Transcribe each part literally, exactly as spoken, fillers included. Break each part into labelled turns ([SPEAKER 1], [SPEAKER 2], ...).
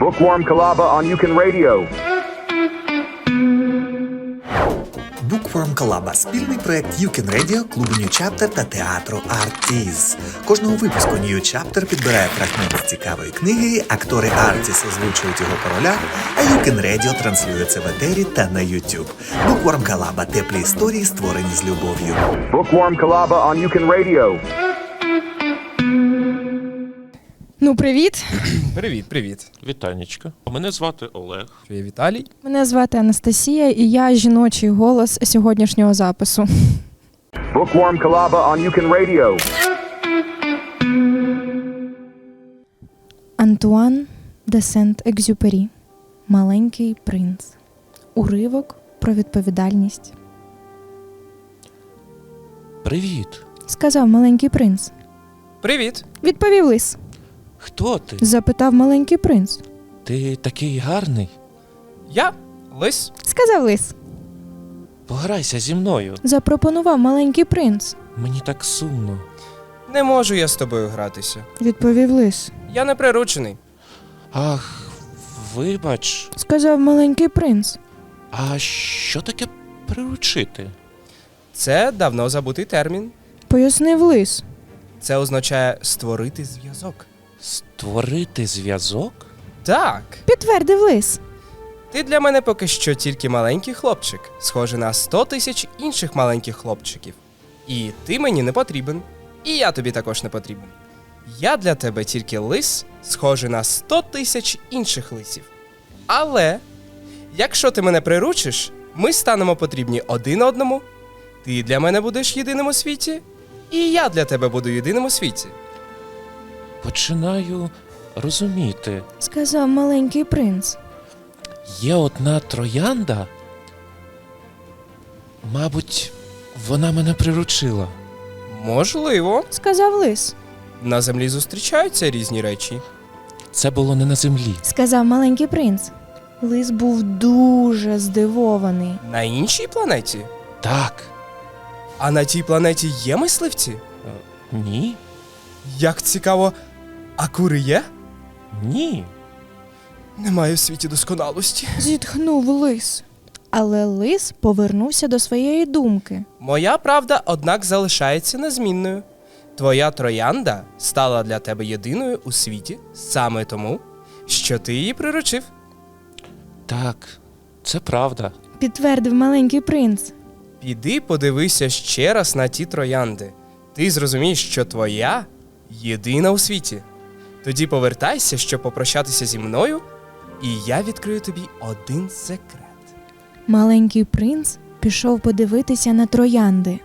[SPEAKER 1] Bookworm Kalaba on Yukon Radio.
[SPEAKER 2] Bookworm Kalaba – спільний проєкт Yukon Radio, клубу New Chapter та театру Artis. Кожного випуску New Chapter підбирає фрагмент з цікавої книги, актори Artis озвучують його по ролях, а Yukon Radio транслює це в етері та на YouTube. Bookworm Kalaba – теплі історії, створені з любов'ю.
[SPEAKER 1] Bookworm Kalaba on Yukon Radio.
[SPEAKER 3] Ну, привіт.
[SPEAKER 4] Привіт, привіт.
[SPEAKER 5] Вітанечка. Мене звати Олег.
[SPEAKER 4] Я Віталій.
[SPEAKER 3] Мене звати Анастасія, і я жіночий голос сьогоднішнього запису.
[SPEAKER 1] Bookworm Kalaba on Yukon Radio.
[SPEAKER 3] Антуан де Сент-Екзюпері. Маленький принц. Уривок про відповідальність.
[SPEAKER 5] Привіт.
[SPEAKER 3] Сказав маленький принц.
[SPEAKER 4] Привіт.
[SPEAKER 3] Відповів лис.
[SPEAKER 5] Хто ти?
[SPEAKER 3] Запитав маленький принц.
[SPEAKER 5] Ти такий гарний.
[SPEAKER 4] Я Лис.
[SPEAKER 3] Сказав лис.
[SPEAKER 5] Пограйся зі мною.
[SPEAKER 3] Запропонував маленький принц.
[SPEAKER 5] Мені так сумно.
[SPEAKER 4] Не можу я з тобою гратися.
[SPEAKER 3] Відповів лис.
[SPEAKER 4] Я не приручений.
[SPEAKER 5] Ах, вибач.
[SPEAKER 3] Сказав маленький принц.
[SPEAKER 5] А що таке приручити?
[SPEAKER 4] Це давно забутий термін.
[SPEAKER 3] Пояснив лис.
[SPEAKER 4] Це означає створити зв'язок.
[SPEAKER 5] Створити зв'язок?
[SPEAKER 4] Так.
[SPEAKER 3] Підтвердив лис.
[SPEAKER 4] Ти для мене поки що тільки маленький хлопчик, схожий на сто тисяч інших маленьких хлопчиків. І ти мені не потрібен. І я тобі також не потрібен. Я для тебе тільки лис, схожий на сто тисяч інших лисів. Але, якщо ти мене приручиш, ми станемо потрібні один одному. Ти для мене будеш єдиним у світі, і я для тебе буду єдиним у світі.
[SPEAKER 5] Починаю розуміти.
[SPEAKER 3] Сказав маленький принц.
[SPEAKER 5] Є одна троянда. Мабуть, вона мене приручила.
[SPEAKER 4] Можливо.
[SPEAKER 3] Сказав лис.
[SPEAKER 4] На землі зустрічаються різні речі.
[SPEAKER 5] Це було не на землі.
[SPEAKER 3] Сказав маленький принц. Лис був дуже здивований.
[SPEAKER 4] На іншій планеті?
[SPEAKER 5] Так.
[SPEAKER 4] А на тій планеті є мисливці?
[SPEAKER 5] Е, Ні.
[SPEAKER 4] Як цікаво, а кури є?
[SPEAKER 5] Ні.
[SPEAKER 4] Немає в світі досконалості.
[SPEAKER 3] Зітхнув лис. Але лис повернувся до своєї думки.
[SPEAKER 4] Моя правда, однак, залишається незмінною. Твоя троянда стала для тебе єдиною у світі саме тому, що ти її приручив.
[SPEAKER 5] Так, це правда.
[SPEAKER 3] Підтвердив маленький принц.
[SPEAKER 4] Піди подивися ще раз на ті троянди. Ти зрозумієш, що твоя єдина у світі. Тоді повертайся, щоб попрощатися зі мною, і я відкрию тобі один секрет.
[SPEAKER 3] Маленький принц пішов подивитися на троянди.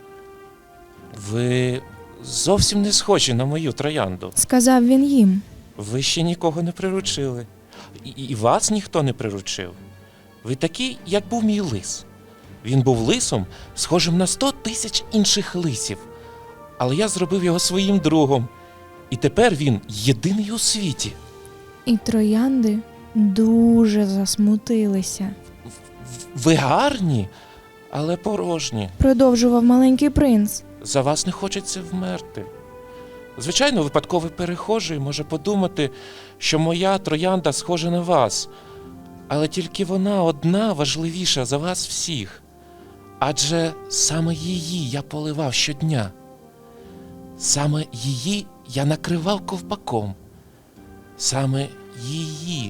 [SPEAKER 5] Ви зовсім не схожі на мою троянду.
[SPEAKER 3] Сказав він їм.
[SPEAKER 5] Ви ще нікого не приручили. І, і вас ніхто не приручив. Ви такі, як був мій лис. Він був лисом, схожим на сто тисяч інших лисів. Але я зробив його своїм другом. І тепер він єдиний у світі.
[SPEAKER 3] І троянди дуже засмутилися.
[SPEAKER 5] Ви гарні, але порожні.
[SPEAKER 3] Продовжував маленький принц.
[SPEAKER 5] За вас не хочеться вмерти. Звичайно, випадковий перехожий може подумати, що моя троянда схожа на вас, але тільки вона одна важливіша за вас всіх. Адже саме її я поливав щодня. Саме її я накривав ковпаком. Саме її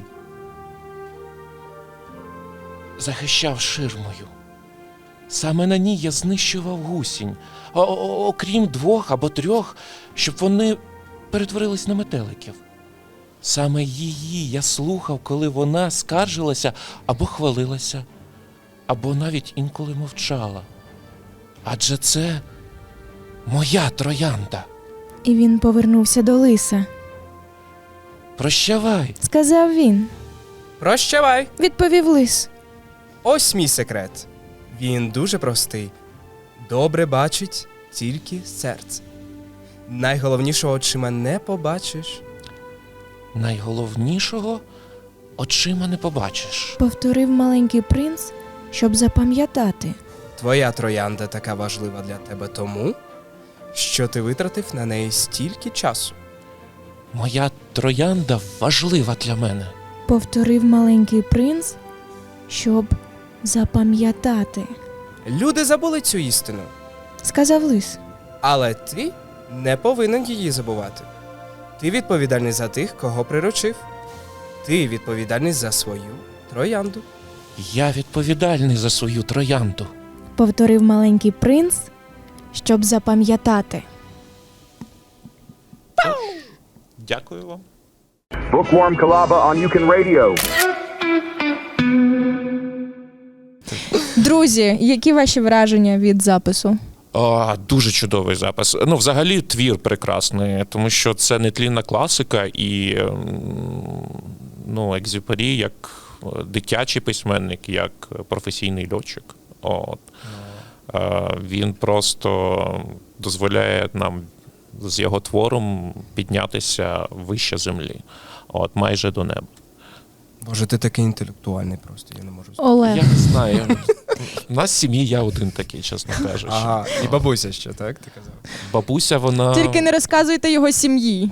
[SPEAKER 5] захищав ширмою. Саме на ній я знищував гусінь, о- о- окрім двох або трьох, щоб вони перетворились на метеликів. Саме її я слухав, коли вона скаржилася або хвалилася, або навіть інколи мовчала. Адже це моя троянда.
[SPEAKER 3] І він повернувся до лиса.
[SPEAKER 5] Прощавай.
[SPEAKER 3] Сказав він.
[SPEAKER 4] Прощавай!
[SPEAKER 3] Відповів лис.
[SPEAKER 4] Ось мій секрет. Він дуже простий. Добре бачить тільки серце. Найголовнішого очима не побачиш.
[SPEAKER 5] Найголовнішого очима не побачиш.
[SPEAKER 3] Повторив маленький принц, щоб запам'ятати.
[SPEAKER 4] Твоя троянда така важлива для тебе тому, що ти витратив на неї стільки часу.
[SPEAKER 5] Моя троянда важлива для мене.
[SPEAKER 3] Повторив маленький принц, щоб запам'ятати.
[SPEAKER 4] Люди забули цю істину,
[SPEAKER 3] Сказав лис.
[SPEAKER 4] але ти не повинен її забувати. Ти відповідальний за тих, кого приручив. Ти відповідальний за свою троянду.
[SPEAKER 5] Я відповідальний за свою троянду.
[SPEAKER 3] Повторив маленький принц, щоб запам'ятати.
[SPEAKER 5] Дякую вам.
[SPEAKER 1] Bookworm Kalaba on You Can Radio.
[SPEAKER 3] Друзі, які ваші враження від запису?
[SPEAKER 5] О, дуже чудовий запис. Ну, взагалі, твір прекрасний, тому що це нетлінна класика і ем, ну, Екзюпері як дитячий письменник, як професійний льотчик. От. Е, Він просто дозволяє нам з його твором піднятися вище землі, от, майже до неба.
[SPEAKER 4] Боже, ти такий інтелектуальний просто, я не можу.
[SPEAKER 3] Олег.
[SPEAKER 5] Я не знаю. У нас в сім'ї я один такий, чесно кажучи.
[SPEAKER 4] Ага, і бабуся ще, так? Ти казав?
[SPEAKER 5] Бабуся, вона...
[SPEAKER 3] Тільки не розказуйте його сім'ї.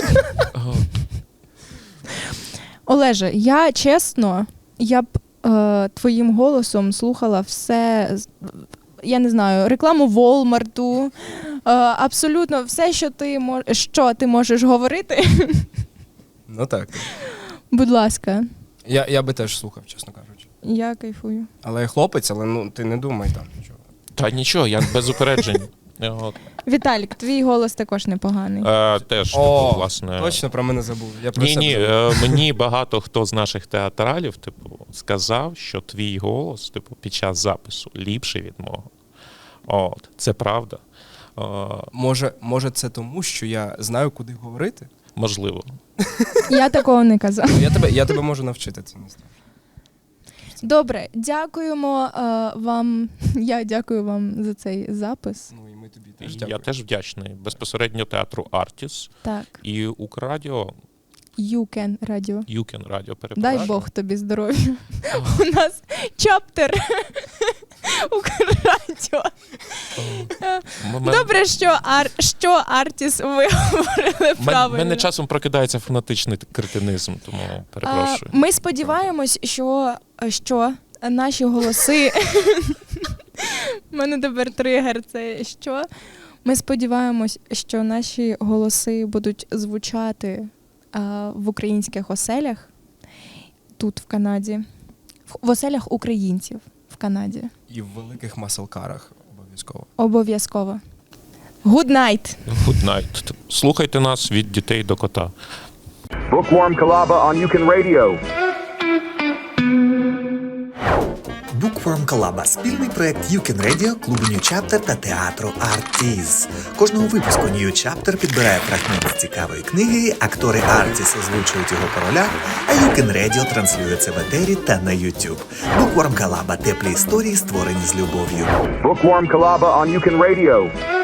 [SPEAKER 3] Олеже, я чесно, я б е, твоїм голосом слухала все, з- я не знаю, рекламу Волмарту, е, абсолютно все, що ти, мож, що ти можеш говорити.
[SPEAKER 4] Ну так.
[SPEAKER 3] Будь ласка,
[SPEAKER 4] Я, я би теж слухав, чесно кажучи.
[SPEAKER 3] я кайфую.
[SPEAKER 4] Але я хлопець, але ну ти не думай там нічого.
[SPEAKER 5] Та нічого, я без упереджень. От.
[SPEAKER 3] Віталік, твій голос також непоганий.
[SPEAKER 5] Е, теж, типу,
[SPEAKER 4] О,
[SPEAKER 5] власне.
[SPEAKER 4] точно про мене забув. Я про
[SPEAKER 5] Ні,
[SPEAKER 4] себе
[SPEAKER 5] ні,
[SPEAKER 4] забув.
[SPEAKER 5] е, мені багато хто з наших театралів, типу, сказав, що твій голос, типу, під час запису ліпший від мого. От, це правда. Е,
[SPEAKER 4] Може, може це тому, що я знаю, куди говорити?
[SPEAKER 5] можливо.
[SPEAKER 3] Я такого не казав.
[SPEAKER 4] Я тебе, я тебе можу навчити, це не страшно.
[SPEAKER 3] Добре, дякуємо е, вам. Я дякую вам за цей запис.
[SPEAKER 4] Ну і ми тобі теж
[SPEAKER 5] Я
[SPEAKER 4] дякуємо.
[SPEAKER 5] теж вдячний. Безпосередньо театру Артіс
[SPEAKER 3] Так,
[SPEAKER 5] і Украдіо,
[SPEAKER 3] You Can Radio.
[SPEAKER 5] Юкен Радіо, перепрошую.
[SPEAKER 3] Дай Бог тобі здоров'я. У нас чаптер Укррадіо.
[SPEAKER 5] М- м-
[SPEAKER 3] Добре, що, ар... що Артіс ви говорили
[SPEAKER 5] Мен-
[SPEAKER 3] правильно.
[SPEAKER 5] мене часом прокидається фанатичний кретинизм, тому
[SPEAKER 3] А,
[SPEAKER 5] перепрошую.
[SPEAKER 3] Ми сподіваємось, що, що наші голоси. У мене тепер тригер це що. Ми сподіваємось, що наші голоси будуть звучати а, в українських оселях тут, в Канаді, в, в оселях українців в Канаді.
[SPEAKER 4] І в великих маселкарах обов'язково.
[SPEAKER 3] Обов'язково. Good night!
[SPEAKER 5] Good night. Слухайте нас від дітей до кота.
[SPEAKER 1] Bookworm Kalaba on You Can Radio.
[SPEAKER 2] Bookworm Kalaba – спільний проект You Can Radio, клубу New Chapter та театру Artis. Кожного випуску New Chapter підбирає фрагмент з цікавої книги, актори Artis озвучують його по ролях, а You Can Radio транслює це в етері та на YouTube. Bookworm Kalaba – теплі історії, створені з любов'ю.
[SPEAKER 1] Bookworm Kalaba on You Can Radio.